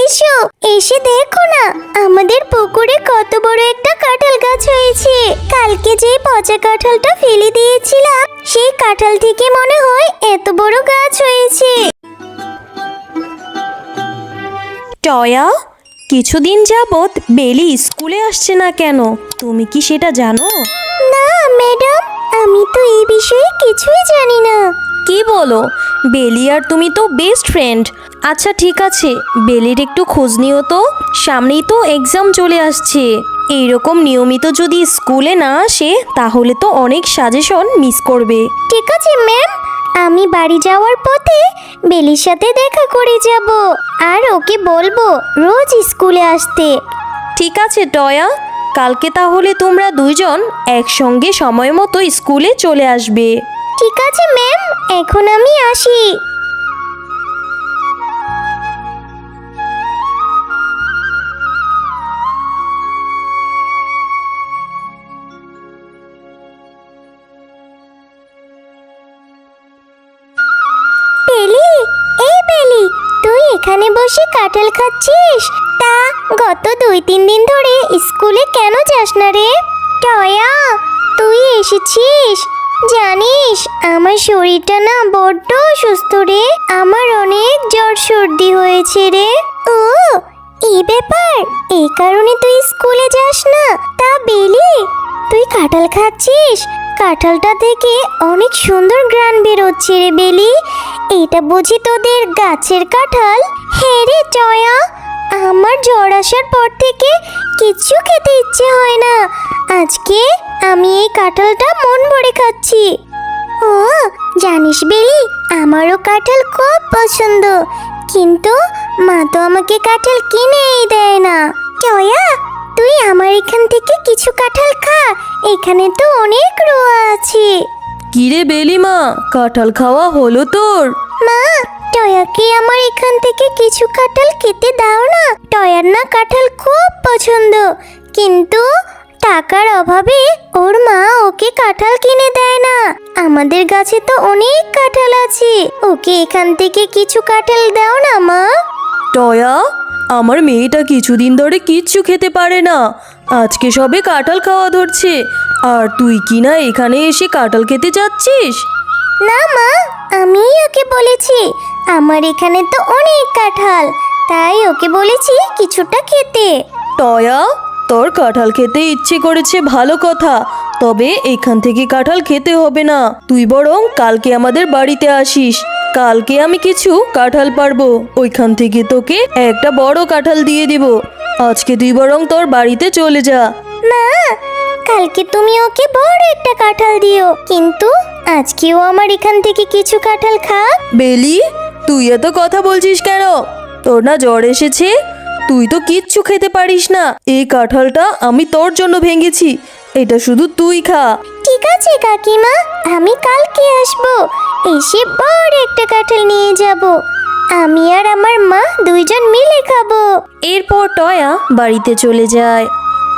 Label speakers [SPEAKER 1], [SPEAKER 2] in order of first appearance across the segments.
[SPEAKER 1] এসো এসে দেখো না আমাদের পুকুরে কত বড় একটা কাঁঠাল গাছ হয়েছে। কালকে যে পচা কাঁঠালটা ফেলে দিয়েছিলাম সেই কাঁঠাল থেকে মনে হয় এত বড় গাছ হয়েছে।
[SPEAKER 2] টয়া, কিছুদিন যাবৎ বেলি স্কুলে আসছে না কেন, তুমি কি সেটা জানো?
[SPEAKER 1] না ম্যাডাম, আমি তো এই বিষয়ে কিছুই জানি না।
[SPEAKER 2] কি বলো? বেলি আর তুমি তো বেস্ট ফ্রেন্ড। আচ্ছা ঠিক আছে, বেলির একটু খোঁজ নিও তো, সামনেই তো এক্সাম চলে আসছে। এইরকম নিয়মিত যদি স্কুলে না আসে তাহলে তো অনেক সাজেশন মিস করবে।
[SPEAKER 1] ঠিক আছে ম্যাম, আমি বাড়ি যাওয়ার পথে বেলির সাথে দেখা করে যাব আর ওকে বলবো রোজ স্কুলে আসতে।
[SPEAKER 2] ঠিক আছে টয়া, কালকে তাহলে তোমরা দুইজন একসঙ্গে সময় মতো স্কুলে চলে আসবে।
[SPEAKER 1] ঠিক আছে ম্যাম, এখন আমি আসি। বেলি, এই বেলি, তুই এখানে বসে কাঁঠাল খাচ্ছিস? তা গত 2-3 দিন ধরে স্কুলে কেন যাস না রে? টয়া, তুই এসেছিস? জানিস আমার শরীরটা না বড্ড অসুস্থ রে, আমার অনেক জ্বর সর্দি হয়েছে রে। ও এই ব্যাপার, এই কারণে তুই স্কুলে যাস না? তা বেলি, তুই কাঁঠাল খাচ্ছিস? কাঁঠালটা থেকে অনেক সুন্দর ঘ্রাণ বেরোচ্ছে রে বেলি। এটা বুঝি তোদের গাছের কাঁঠাল? হ্যাঁ রে টয়া, আমার জ্বর আসার পর থেকে কিচ্ছু খেতে ইচ্ছে হয় না। আজকে আমি এই কাঁঠালটা মন ভরে খাচ্ছি। ও জানিস বেলি, আমারও কাঁঠাল খুব পছন্দ, কিন্তু মা তো আমাকে কাঁঠাল কিনেই দেয় না। টয়া, তুই আমার এখান থেকে কিছু কাঁঠাল খা, এখানে তো অনেক রোয়া আছে।
[SPEAKER 2] কিরে বেলিমা, কাঁঠাল খাওয়া হলো তোর?
[SPEAKER 1] মা, টয়াকে আমার এখান থেকে কিছু কাঁঠাল খেতে দাও না। টয়ার না কাঁঠাল খুব পছন্দ, কিন্তু টাকার অভাবে ওর মা ওকে কাঁঠাল কিনে দেয় না। আমাদের গাছে তো অনেক কাঁঠাল আছে, ওকে এখান থেকে কিছু কাঁঠাল দাও না মা।
[SPEAKER 2] টয়া, আমার মেয়েটা কিছুদিন ধরে কিচ্ছু খেতে পারে না, আজকে সবে কাঁঠাল খাওয়া ধরছে, আর তুই কি না এখানে এসে কাঁঠাল খেতে যাচ্ছিস?
[SPEAKER 1] না মা, আমি ওকে বলেছি আমার এখানে তো অনেক কাঁঠাল, তাই ওকে বলেছি কিছুটা খেতে।
[SPEAKER 2] টয়া, তোর কাঁঠাল খেতে ইচ্ছে করেছে ভালো কথা, তবে এখান থেকে কাঁঠাল খেতে হবে না, তুই বরং কালকে আমাদের বাড়িতে আসিস। কালকে আমি কিছু কাঁঠাল পারবো, ওইখান থেকে তোকে একটা বড় কাঁঠাল দিয়ে দিব। আজকে তুই বরং তোর বাড়িতে চলে যা।
[SPEAKER 1] মা, কালকে তুমি ওকে বড় একটা কাঁঠাল দিও, কিন্তু আজকেও আমার এখান থেকে কিছু কাঁঠাল খা।
[SPEAKER 2] বেলি, তুই এত কথা বলছিস কেন? তোর না জ্বর এসেছে? তুই তো কিচ্ছু খেতে পারিস না। এই কাঁঠালটা আমি তোর জন্য ভেঙেছি, এটা শুধু তুই খা।
[SPEAKER 1] ঠিক আছে কাকিমা, আমি কালকে আসবো, এসে বড় একটা কাঁঠাল নিয়ে যাব, আমি আর আমার মা দুইজন মিলে খাবো।
[SPEAKER 2] এরপর টয়া বাড়িতে চলে যায়।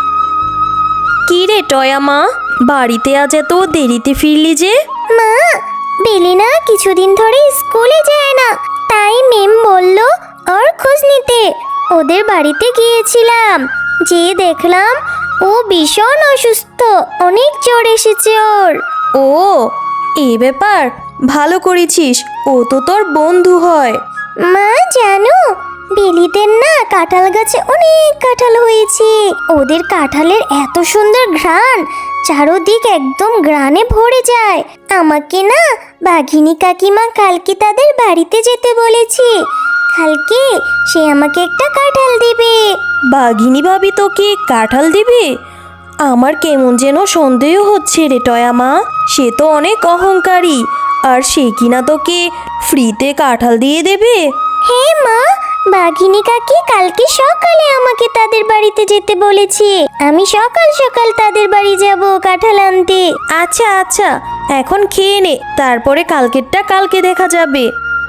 [SPEAKER 2] কি রে টয়া মা, বাড়িতে আজ এত দেরিতে ফিরলি যে?
[SPEAKER 1] মা, বেলি না কিছুদিন ধরে স্কুলে যায় না, তাই মেম বলল ওর খোঁজ নিতে। ওদের বাড়িতে গিয়েছিলাম, যে দেখলাম ও ভীষণ অসুস্থ, অনেক জ্বর এসেছে ওর।
[SPEAKER 2] ও এই ব্যাপার, ভালো করেছিস, ও তো তোর বন্ধু হয়।
[SPEAKER 1] মা জানো, বেলিদের না কাঁঠাল গাছে অনেক কাঁঠাল হয়েছে, ওদের কাঁঠালের এত সুন্দর ঘ্রাণ, চারদিক একদম ঘ্রাণে ভরে যায়। আমাকে না বাঘিনী কাকিমা কালকে তাদের বাড়িতে যেতে বলেছে, কালকে সে আমাকে একটা কাঁঠাল দিবে।
[SPEAKER 2] বাঘিনী ভাবি তোকে কাঁঠাল দিবে? আমার কেমন যেন সন্দেহ হচ্ছে রে টয়া মা, সে তো অনেক অহংকারী, আর সে কিনা তোকে ফ্রিতে কাঁঠাল দিয়ে দেবে?
[SPEAKER 1] হ্যাঁ মা, বাঘিনী কাকি কালকে সকালে আমাকে তাদের বাড়িতে যেতে বলেছে, আমি সকাল সকাল তাদের বাড়ি যাব কাঁঠাল আনতে।
[SPEAKER 2] আচ্ছা আচ্ছা, এখন খেয়ে নে, তারপরে কালকেরটা কালকে দেখা যাবে।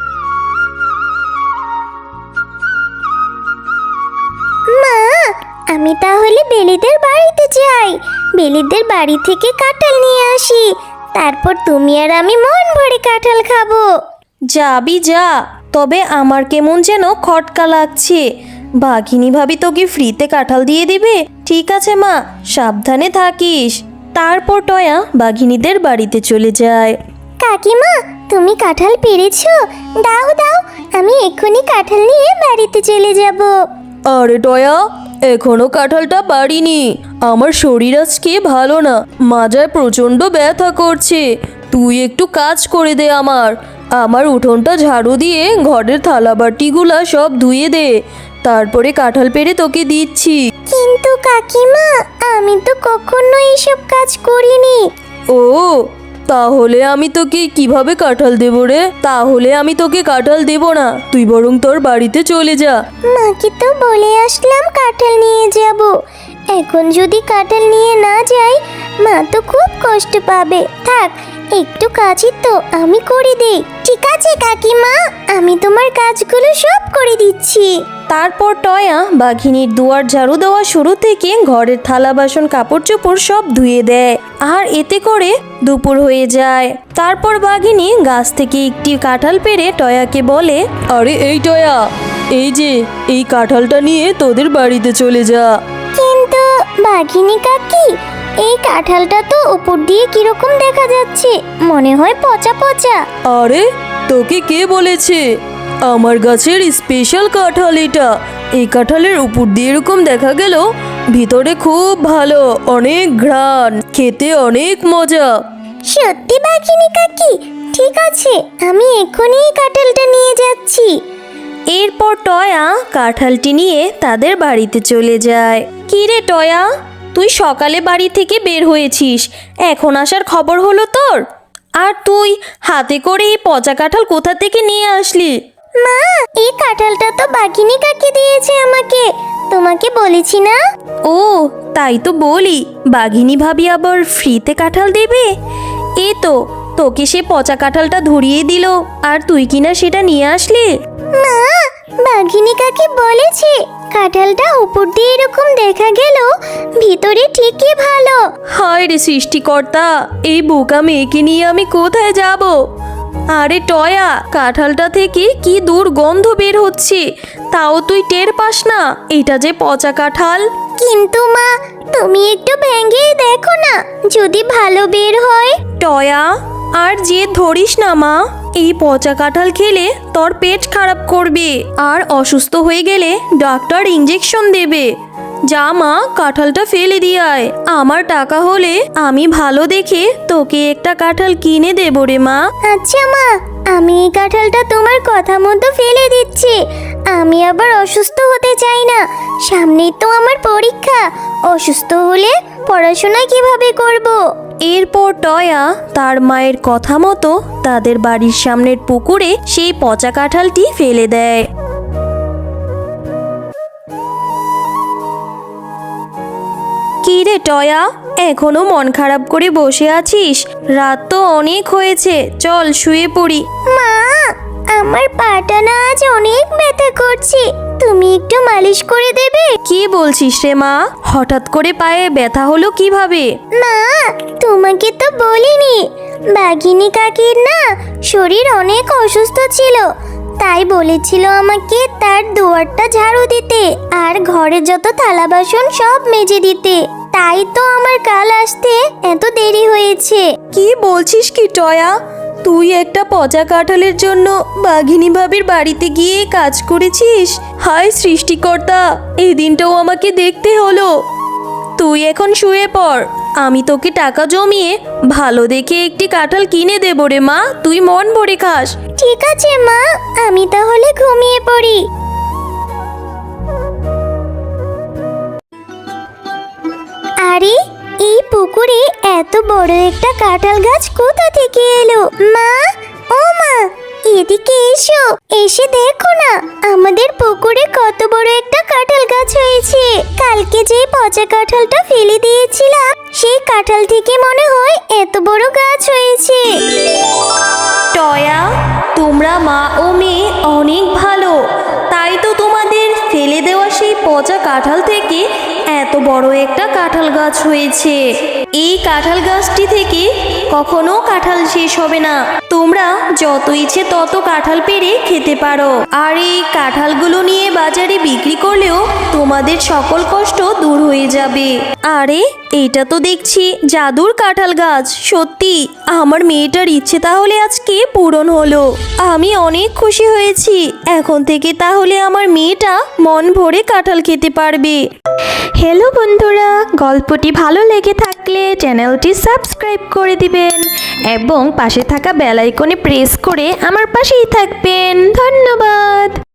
[SPEAKER 1] মা, আমি তাহলে বেলিদের বাড়িতে যাই, বেলিদের বাড়ি থেকে কাঁঠাল নিয়ে আসি, তারপর তুমি আর আমি মন ভরে কাঁঠাল খাবো।
[SPEAKER 2] যাবি যা, তবে আমার কেমন যেন খটকা লাগছে, বাঘিনী ভাবি তোকে ফ্রিতে কাঁঠাল দিয়ে দিবে? ঠিক আছে মা, সাবধানে থাকিস। তারপর টয়া বাঘিনীদের বাড়িতে চলে যায়।
[SPEAKER 1] কাকিমা, তুমি কাঁঠাল পেরেছো? দাও দাও, আমি এক্ষুনি কাঁঠাল নিয়ে বাড়িতে চলে যাব।
[SPEAKER 2] আরে টয়া, এখনো কাঁঠালটা পারিনি। আমার শরীর আজকে ভালো না, মাজায় প্রচণ্ড ব্যথা করছে। তুই একটু কাজ করে দে আমার উঠোনটা ঝাড়ু দিয়ে ঘরের থালাবাটিগুলা সব ধুয়ে দে, তারপরে কাঁঠাল পেড়ে তোকে দিচ্ছি।
[SPEAKER 1] কিন্তু কাকিমা, আমি তো কখনো এইসব কাজ করিনি।
[SPEAKER 2] ও, তাহলে আমি তোকে কিভাবে কাঁঠাল দেবো রে? তাহলে আমি তোকে কাঁঠাল দেবো না, তুই বরং তোর বাড়িতে চলে যা।
[SPEAKER 1] মাকে তো বলে আসলাম কাঁঠাল নিয়ে যাব। এখন যদি কাঁঠাল নিয়ে না যাই, মা তো খুব কষ্ট পাবে। থাক, একটু কাজই তো আমি করে দেই। ঠিক আছে কাকিমা, আমি তোমার কাজগুলো সব করে দিচ্ছি।
[SPEAKER 2] তারপর টয়া বাঘিনীর দুয়ার ঝাড়ু দেওয়া শুরু থেকে ঘরের থালা বাসন কাপড় চোপড় সব ধুয়ে দেয়, আর এতে করে দুপুর হয়ে যায়। তারপর বাঘিনী গাছ থেকে একটি কাঁঠাল পেড়ে টয়াকে বলে, আরে এই টয়া, এই যে এই কাঁঠালটা নিয়ে তোদের বাড়িতে চলে যা।
[SPEAKER 1] কিন্তু বাঘিনী কাকি, এই কাঁঠালটা তো উপর দিয়ে কিরকম দেখা যাচ্ছে, মনে হয় পচা পচা।
[SPEAKER 2] আরে, তোকে কে বলেছে? আমার গাছের স্পেশাল কাঁঠাল এটা। এই কাঁঠালের উপর দিয়ে এরকম দেখা গেল, ভিতরে খুব ভালো, অনেক ঘ্রাণ, খেতে অনেক মজা।
[SPEAKER 1] সত্যি বাঘিনী কাকি? ঠিক আছে, আমি এক্ষুনি এই কাঁঠালটা নিয়ে যাচ্ছি।
[SPEAKER 2] এরপর টয়া কাঁঠালটি নিয়ে তাদের বাড়িতে চলে যায়। কি রে টয়া, তুই সকালে বাড়ি থেকে বের হয়েছিস, এখন আসার খবর হলো তোর? আর তুই হাতে করে এই পচা কাঁঠাল কোথা থেকে নিয়ে আসলি?
[SPEAKER 1] মা, এই কাঁঠালটা তো বাঘিনী কাকি দিয়েছে আমাকে, তোমাকে বলেছি না?
[SPEAKER 2] ও, তাই তো বলি, বাঘিনী ভাবি আবার ফ্রিতে কাঁঠাল দেবে? এ তো, তোকে সে পচা কাঁঠালটা ধরিয়ে দিল, আর তুই কিনা সেটা নিয়ে আসলি?
[SPEAKER 1] মা, বাঘিনী কাকি বলেছে কাঁঠালটা উপর দিয়ে এরকম দেখা গেল, ভিতরে ঠিকই ভালো।
[SPEAKER 2] হায় রে সৃষ্টিকর্তা, এই বোকা মেয়েকে নিয়ে আমি কোথায় যাব? আরে টয়া, কাঁঠালটা থেকে কি দুর্গন্ধ বের হচ্ছে, তাও তুই টের পাস না এটা যে পচা কাঁঠাল?
[SPEAKER 1] কিন্তু মা, তুমি একটু ভেঙে দেখো না, যদি ভালো বের হয়।
[SPEAKER 2] টয়া, আর যে ধরিস না মা, এই পচা কাঁঠাল খেলে তোর পেট খারাপ করবে, আর অসুস্থ হয়ে গেলে ডাক্তার ইঞ্জেকশন দেবে। যা মা, কাঁঠালটা ফেলে দিয়ে আয়। আমার টাকা হলে আমি ভালো দেখে তোকে একটা কাঁঠাল কিনে দেবো রে মা।
[SPEAKER 1] আচ্ছা মা, আমি এই কাঁঠালটা তোমার কথা মতো ফেলে দিচ্ছি। আমি আবার অসুস্থ হতে চাই না, সামনেই তো আমার পরীক্ষা। অসুস্থ হলে পড়াশোনা কিভাবে করব?
[SPEAKER 2] এরপর টয়া তার মায়ের কথা মতো তাদের বাড়ির সামনের পুকুরে সেই পচা কাঁঠালটি ফেলে দেয়। কি রে টয়া, এখনো মন খারাপ করে বসে আছিস? রাত তো অনেক হয়েছে, চল শুয়ে পড়ি।
[SPEAKER 1] মা, আমার পাটা না আজ অনেক ব্যথা করছে, তুমি একটু মালিশ করে দেবে?
[SPEAKER 2] কি বলছিস রে মা, হঠাৎ করে পায়ে ব্যথা হলো কিভাবে?
[SPEAKER 1] মা, তোমাকে তো বলিনি, বাঘিনী কাকির না শরীর অনেক অসুস্থ ছিল, তাই বলেছিল আমাকে তার দুয়ারটা ঝাড়ু দিতে আর ঘরে যত থালা বাসন সব মেজে দিতে। তাই তো আমার কাল আসতে এত দেরি হয়েছে।
[SPEAKER 2] কি বলছিস কি টয়া, তুই একটা পচা কাঁঠালের জন্য বাঘিনী ভাবির বাড়িতে গিয়ে কাজ করেছিস? হায় সৃষ্টিকর্তা, এই দিনটাও আমাকে দেখতে হলো। তুই এখন শুয়ে পড়, আমি তোকে টাকা জমিয়ে ভালো দেখে একটি কাঁঠাল কিনে দেবো রে মা, তুই মন ভরে খাস।
[SPEAKER 1] ঠিক আছে মা, আমি তাহলে ঘুমিয়ে পড়ি। আরে, এই পুকুরে এত বড় একটা কাঁঠাল গাছ কোথা থেকে এলো? মা, ও মা, এদিকে এসো, এসে দেখো না আমাদের পুকুরে কত বড় একটা কাঁঠাল গাছ হয়েছে। কালকে যে পচা কাঁঠালটা ফেলে দিয়েছিলাম, সেই কাঁঠাল থেকে মনে হয় এত বড় গাছ হয়েছে।
[SPEAKER 2] টয়া, তোমরা মা ও মেয়ে অনেক ভালো, তাই তো তোমাদের ফেলে দেওয়া সেই পচা কাঁঠাল থেকে এত বড় একটা কাঁঠাল গাছ হয়েছে। এই কাঁঠাল গাছটি থেকে কখনো কাঁঠাল শেষ হবে না। তোমরা যত ইচ্ছে তত কাঁঠাল পেড়ে খেতে পারো, আর এই কাঁঠালগুলো নিয়ে বাজারে বিক্রি করলেও তোমাদের সকল কষ্ট দূর হয়ে যাবে। আরে এইটা তো দেখছি জাদুর কাঁঠাল গাছ। সত্যি আমার মেয়েটার ইচ্ছে তাহলে আজকে পূরণ হলো। আমি অনেক খুশি হয়েছি। এখন থেকে তাহলে আমার মেয়েটা মন ভরে কাঁঠাল খেতে পারবে।
[SPEAKER 3] হ্যালো বন্ধুরা, গল্পটি ভালো লেগে থাকলে চ্যানেলটি সাবস্ক্রাইব করে দিবেন এবং পাশে থাকা বেল আইকনে প্রেস করে আমার পাশেই থাকবেন। ধন্যবাদ।